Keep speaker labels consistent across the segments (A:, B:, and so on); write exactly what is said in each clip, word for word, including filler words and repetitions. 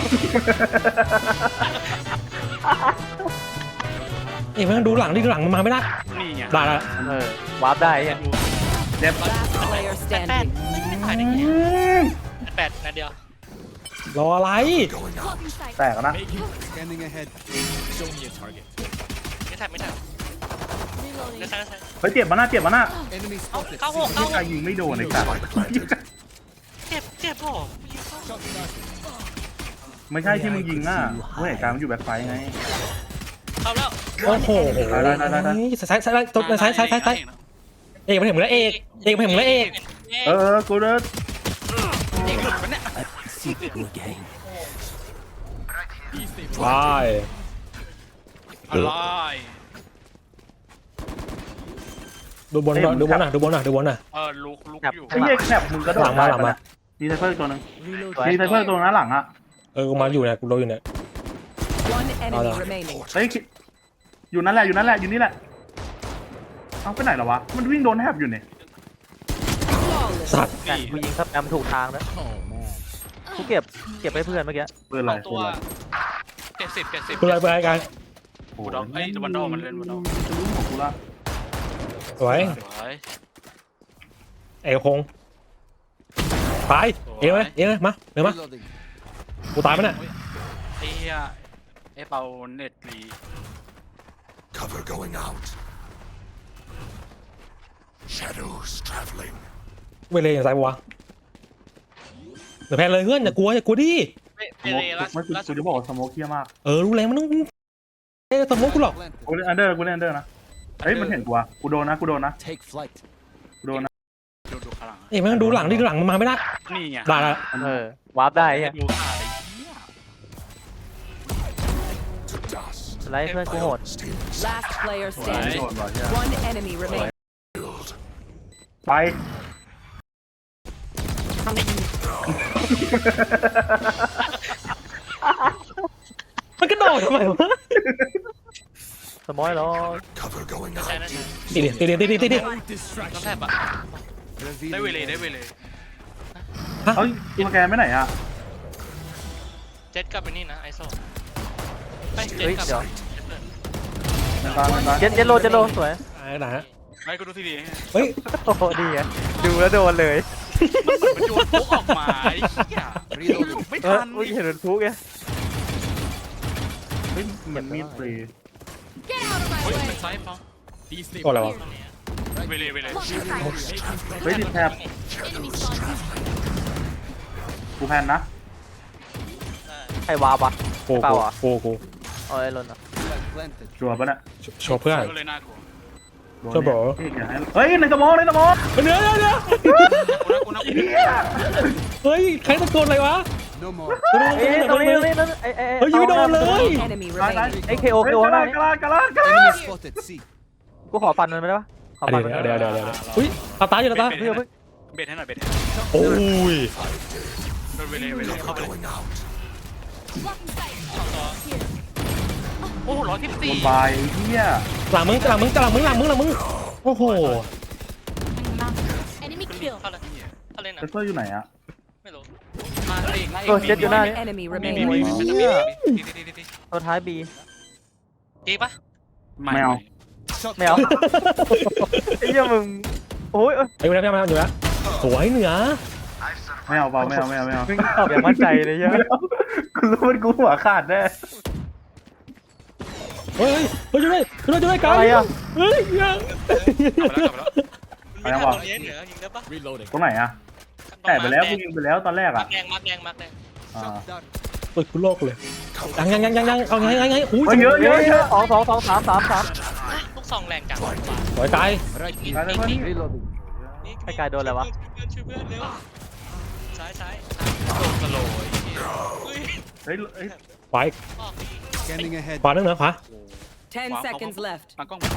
A: เอ้ยมันดูหลังดิดูหลังมันมาไม่ได้นี่ไงได้แล้ว
B: เออวาร์ปได้ยัง
C: เจ็บ
D: แปดไม่ถ่ายได้ไงแปดนัดเดียว
A: รออะไร
C: แตกนะ
D: ไม่ถ่ายไม่ถ่าย
C: เฮ้ยเจ็บมาหน้าเจ็บมาหน้า
D: เก้าหกเก้าหก
C: ยิงไม่โดนไอ้สัตว์
D: เจ็บเจ็บหรอ
C: ไม่ใช่ที่มึงยิงอ่ะเมื่อเหตุการณ์มันอยู่แบ็คไฟไง
D: เข้าแล้ว
A: โอ้โหซ้ายซ้ายซ้ายตัวซ้ายซ้ายซ้ายซ้ายเอกมาถึงมึงแล้วเอกเอกมาถึงมึงแล้วเอก
C: เออกูเดิน
D: เอกหลุดมันเนี่ย
A: ว้าย
D: อะไร
A: ดูบนดูบนหน่ะดูบนหน่ะดูบนหน่ะ
D: เออลุกลุกอยู่
C: ไอ้เหี้ยแคบมึงก็โดด
A: หลังมาหลังมา
C: ดีไซเฟอร์ตัวนึงดีไซเฟอร์ตัวนั้นหลังอ่ะ
A: เออกูมาอยู่เนี่ยกูโดนอยู่เนี่ย
C: เฮ้ยอยู่นั่นแหละอยู่นั่นแหละอยู่นี่แหละเอาไปไหนหรอวะมันวิ่งโดนแทบอยู่เนี่ย
A: สัตว์
B: กูยิงครับแอมถูกทางแล้วกูเก็บเก็บให้เพื่อนเมื่อกี้
C: เพื่อนอะไร
D: ตัวเจ็ดสิบเจ็ดสิบ
A: เพื่อนอะไรเพื่อนอะไรกัน
D: โอ้ดอกไอ้วันดอมันเล่นวันดอ
C: จะรู้ของกูละ
A: สวยเอคงตายเอ๋เลยเอ๋เลยมาเดี๋ยวมากูตายมั้ยเนี่ย
D: ไอ้ไอ้เปาเน็ตรี
E: Cover going out. Shadows traveling.
A: เวเลยอย่างไรวะเดี๋ยวแพ้เลยเพื่อนอย่ากลัวอย่ากลัวดิ
D: ไม่เลยละ
C: ไม่กูจะบอกสโมกเคี้ยมาก
A: เออรู้แล้วมันต้องเอ้สโมกกูหรอก
C: กูเล่นอันเดอร์กูเล่นอันเดอร์นะเฮ้ยมันเห็นกูอ่ะกูโดนนะกูโดนนะกูโดนนะ
A: เอ้ยมันดูหลังดิดูหลังมันมาไม่ได้
D: นี่ไง
A: ได้แล้ว
B: เออวาร์ปได้ยังไล่เพื่อนกูโหด
F: Last player standing. One enemy remaining.
C: ไป
A: มันกระโดดทำไมวะ
B: สมอยหรอ
A: ตีดิตีดิตีดิตีดิ
D: ต้องแทบอะได้เวลได้เวล
C: เฮ้ยตัวแกไม่ไหนอ่ะ
D: เจ็ดกับไปนี่นะไอโซ่ไปเจ็ดกับ
B: เจ็ดเจ็ดโลเจ็ดโลสวย
A: ไอ้ไหนฮะ
D: ไม่กูดูทีดี
A: เฮ้ย
B: โอ้ดีไงดูแล้วโดนเลย
D: มันโยนปุ๊กออกมาไอ้เหี้ยไม่ทัน
B: อุ้ยเห็นมันปุ๊กไง
C: เฮ้ยมันมีดฟรี
D: เฮ้ยเป็นไซฟ์เปล่า
A: ก็อะไรวะ
D: เวลเวล
C: เฮ้ยดิแทบกูแพนนะ
B: ไอ้วาบะ
A: โกโกโกโก
B: เอาไอ้ลนอ่ะ
C: ชัวร์ปะเนี่ย
A: โชว์เพื่อนโชว์บอ
C: เฮ้ยในสมองในสมอง
A: เดี๋ยวเดี๋ยวเดี๋ยวเฮ้ยใครตะโกนอะไรวะ
B: เฮ้ยตรงนี้ตรงนี้นั่นไอ้ไอ้
A: เฮ้ยยิงไม่โดนเลย
B: ไอ้เคโอเคโอได้
C: กะลากะลากะลา
B: กูขอฟันมันไม่ได้ปะขอฟันมัน
A: เดี๋ยวเดี๋ยวเดี๋ยวอุ้ยตาตาอยู่ตาตา
D: เบ็ดให้หน่อยเบ็ด
A: โอ้ย
D: โดนเวลเวลเข้าไปโอ้ร้อยที่สี่
C: บายเฮีย
A: หลังมึงหลังมึงหลังมึงหลังมึงหลังมึงโอ้โห
D: เข้าเลยเข้าเลยนะ
C: เซอร์อยู่ไหนอะ
D: ไม่รู้มาเอง
B: โอ้เจ็ดอยู่หน้าตัวท้ายบี
D: ดีปะ
C: ไม่เอา
B: ไม่เอาไอ้เหี้ยมึงโอ้ย
A: ไอ้คนนั้นไม่เอาอยู่แล้วสวยเหนือ
C: ไม่เอาเปล่าไม่เอาไม่เอาไม่เอา
B: มึงตอบอย่างมั่นใจเลยยัง
C: กูรู้มันกูหัวขาดแน่
A: เฮ้ยเฮ้ยช่วยช่วยช่วยกันเฮ้ยยัง
C: ไปแล้ววะตรงไหนอะแต่ไปแล้วกูยิงไปแล้วตอนแรกอะ
D: แดงมักแดงมักแดง
C: อ่า
A: เปิดกูโลกเลยยังยังยังยังยังเอาไงไงไง
C: อุ้ยเยอะเยอะเยอะ
B: สองสองสองสามสามสาม
D: ลูกซองแรงจัง
A: สวยตาย
C: ตายเลยเพื่อน
B: ไอ้กายโดนอะไรวะ
D: ซ้ายซ้ายโดนสโลว์
C: เฮ้ยเฮ้ย
A: ไปขวานึงเหรอขวา
F: ten seconds left
D: มากล้อง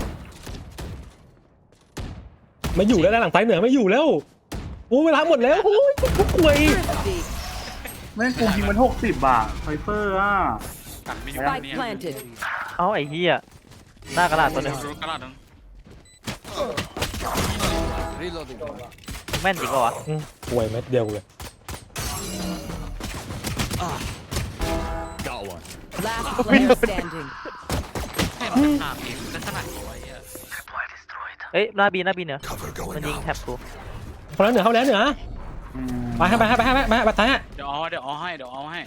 A: ไม่อยู่แล้วหลังซ้ายเหนือไม่อยู่แล้วโอ้เวลาหมดแล้วโอ้ยกูป่วย
C: แม่งกูยิงมันหกสิบบาทไฟเฟอร์อ่ะ
B: เอาไอ้เหี้ยหน้ากระดาษตัวนึงแม่นจริงป่ะวะ
A: ป่วยเม็ดเดียวเลย
F: Last player standing.
D: ให้มันทางเองลักษณะของไอ้เหี้ย
B: เอ้ยหน้าบีหน้าบีเนี่ย
E: Cover
B: มัน
E: going
B: ยิง
E: out.
B: แท็บกู
A: เขาแล้วเหนือเขาแล้วเหนือ
C: อืม
A: ไปให้ไปให้ไปให้ไปให้ไปตายฮะ
G: เดี๋ยวเอาเดี๋ยวเอาให้เดี๋ยวเอาให้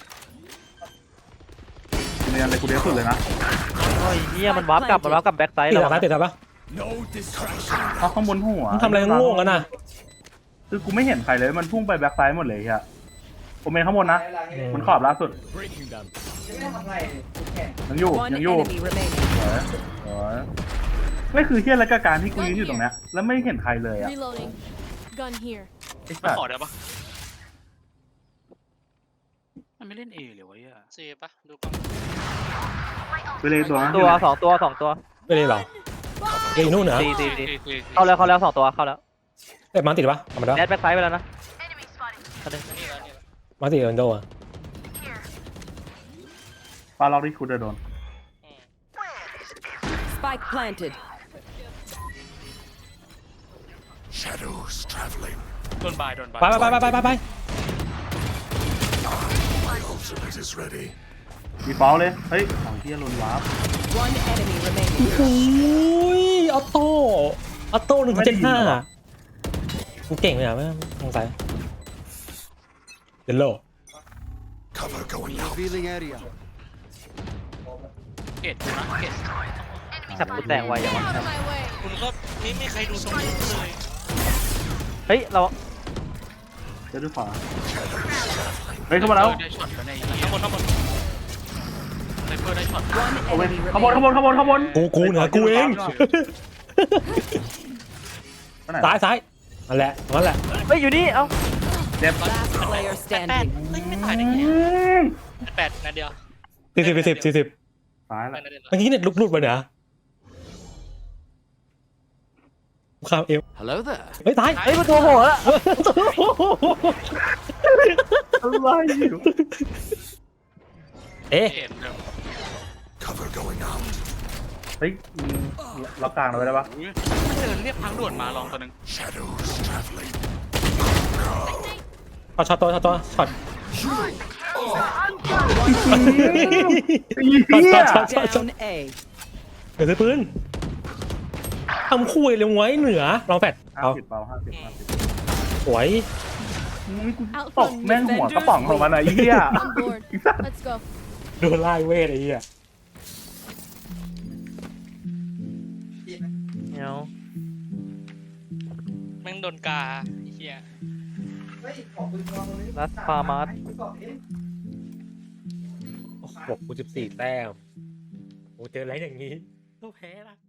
C: เรียนอะไรกูเด็ดสุดเลยนะ
B: โอ้ยเฮียมันวาร์ปกลับมันวาร์ปกลับแบ็กไซด์
A: ติด
B: แล้ว
A: ตาติดตาปะ
E: No distraction.
C: เอาข้างบนหัว
A: มึงทำอะไรโง่กันน่ะ
C: คือกูไม่เห็นใครเลยมันพุ่งไปแบ็คไซด์หมดเลยเฮียผมเมนข้างบนนะมันขอบล่าสุด
E: Breaking them.
C: ยังอยู่
F: One
C: ยังอยู่
F: enemy remaining.
C: โอ้ยไม่คือเฮียและกการที่กูยืนอยู่ตรงเนี้ยแล้วไม่เห็นใครเลยอ่ะ
H: Reloading. Gun here.
C: ไอ้
G: มา
C: สัส
G: ขอได้ปะมันไม่เล่นเอเลยวะเหี้ย
D: ซีปะดูก่อน
C: ไปเลยตัวนั้น
B: ตัวสองตัวสองตัว
A: ไม่ได้หรอเอ้ยนู่นเหรอ
B: สี่สี่สี่
G: สี่สี่
B: เข้าแล้วเข้าแล้วสองตัวเข้าแล้ว
A: เอ้ยมันติดปะทำไมได้
B: แดดแบ็กไซด์ไปแล้วนะคนหนึ่ง
D: นี่แล้วนี่แล้ว
A: มันติดเอ็นโดอ่ะ
C: ปลาล็อกที่กูจะโดน
D: อืม
F: Spike planted.
E: Shadows traveling.
G: โดนบายโดนบาย
A: ไปไปไปไปไปไป
E: My ultimate is ready.
C: ดีฟอลเลยเฮ้ยของเฮียลุนวาร์ป
F: One enemy remaining.
A: โอ้ยออโต้ออโต้หนึ่งเจ็ดห้ากูเก่งเลยอ่ะไม่สงสัยเดลโล
E: Cover going out.
G: เกตกูนะเกต
B: แท็บกูแตกไวอย่างวะ
H: Out of my way.
D: คุณก็นี่ไม่ใครดูสมองเลย
B: เฮ้ยเรา
C: เจะด้วยขวาเฮ้ยเข้ามาแล้ว
G: ได้ช็อตแล้วในไอ้
D: ข้างบ
G: เหี้ย
D: นข้างบน
G: ไซเฟอร์ได้ช็อต
F: One
C: เอาไป
F: enemy
C: ข้างบน
F: remaining.
C: ข้างบนข้างบนข้างบน
A: กูกูเหนือกูเอง
C: ไปไหน
A: ซ้ายซ้ายนั่นแหละนั่นแหละ
B: เฮ้ยอยู่นี่เอ้า
C: เจ็บ
F: Last player
D: แปดแปด
F: standing.
D: เฮ้ยไม่ตายได้ไง
C: อืม
D: แปดนัดเดียว
A: สี่สิบสี่สิบสี่สิบ
C: ตาย
D: แป
C: ละ
D: ดนัดเดียว
A: เมื่อกี้เนี่ยลุกลุดไปเหนือข้ามเอว
E: Hello there.
A: เฮ้ยตาย
B: เฮ้ยมันตัวโหดแล้ว
C: อะไรอยู่
A: เอ๊ะ
G: เกตเดิม
E: Cover going out.
C: เฮ้ยมึงล็อกกลางเราไว้ได้ปะ
G: อุ้ยเดินเรียบทางด่วนมาลองตัวหนึง
E: Shadows traveling.
A: ช็อตช็อตตัวช็อตตัวช็อต
C: ไอ้เหี้ย
A: ช็อตช็อตช็อตช็อต
F: Down A.
A: เดี๋ยวซื้อปืนทำคุยเลยไว้เหนือลองแฟด
C: ห้า
A: เอา
C: สิบเปล่าห้าสิบห้าสิบ
A: สวย
C: มึงกูตกแม่งหัวกระป๋องของมันอะไอ้เหี้ย
H: On board. Let's go.
A: โดนไล่เวทไอ้เหี้ย
B: เนา
D: แม่งโดนกาไอ้เหี้ย
B: ลัสฟาร์มาร์
A: โอ้โหกูสิบสี่แต้มโอ้เจออะไรอย่างงี้ต้องแพ้ละ